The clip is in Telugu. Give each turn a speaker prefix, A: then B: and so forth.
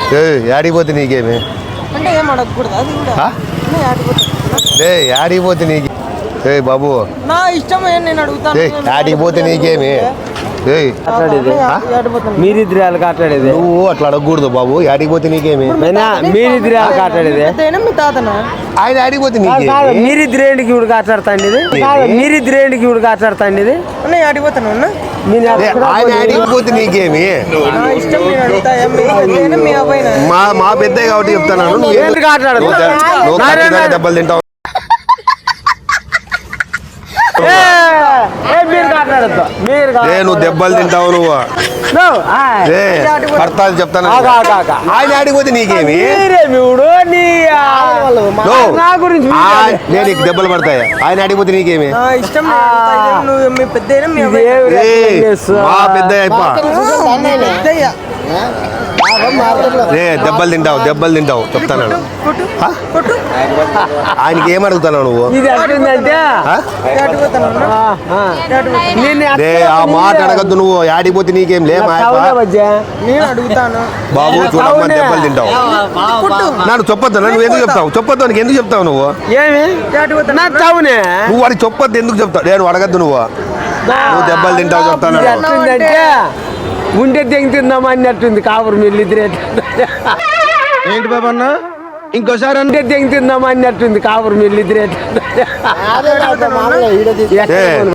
A: యాడిపోతే నీకేమి
B: అంటే ఏం అడగకూడదు అది కూడా
A: యాడిపోతే నీకు బాబు
B: నా ఇష్టం నేను అడుగుతాను
A: యాడిపోతే నీకేమి
C: మీరిద్దరు వాళ్ళకి ఆటలాడేది
A: నువ్వు అట్లా అడగకూడదు బాబు యాడిపోతే నీకేమి
C: మీరిద్దరు వాళ్ళకి ఆటలాడేది
B: మీ తాతనా
A: ఆయన యాడిపోతే నీకేమి
C: మీరిద్దరేంటికి ఇప్పుడు ఆటలాడుతాండి మీరిద్దరేంటికి ఇప్పుడు ఆటలాడుతాండి
B: అన్న ఆడిపోతాను అన్న
A: ఆయన యాడిపోతే నీకేమి
B: ఇష్టం నేను అడుగుతా మీ అబ్బాయి
A: మా పెద్ద కాబట్టి చెప్తాను నువ్వు
C: ఆటలాడు
A: దెబ్బలు తింటావు నువ్వు దెబ్బలు తింటావు నువ్వు పడతాది చెప్తాను ఆయన ఆడిపోతే నీకేమి నేను నీకు దెబ్బలు పడతాయి ఆయన ఆడిపోతే నీకేమి మా పెద్ద దెబ్బలు తింటావు చెప్తాను ఆయనకి ఏం అడుగుతావు నువ్వు ఆ మాట అడగద్దు నువ్వు యాడిపోతే నీకేం లే బాబు చూడమ్మా దెబ్బలు తింటావు నన్ను చెప్పొద్దు నువ్వు ఎందుకు చెప్తావు చెప్పొద్దు నీకు ఎందుకు చెప్తావు నువ్వు నువ్వు వాడికి చెప్పొద్దు ఎందుకు చెప్తావు నేను అడగద్దు నువ్వు దెబ్బలు తింటావు చెప్తాను
C: ఉంటే తెంగి తిందామా అన్నట్టుంది కాపురు వీళ్ళిద్దరే
D: ఏంటి బాబు అన్న ఇంకోసారి
C: ఉంటే తెంగి తిందామా అన్నట్టుంది కాపురు వీళ్ళిద్దరే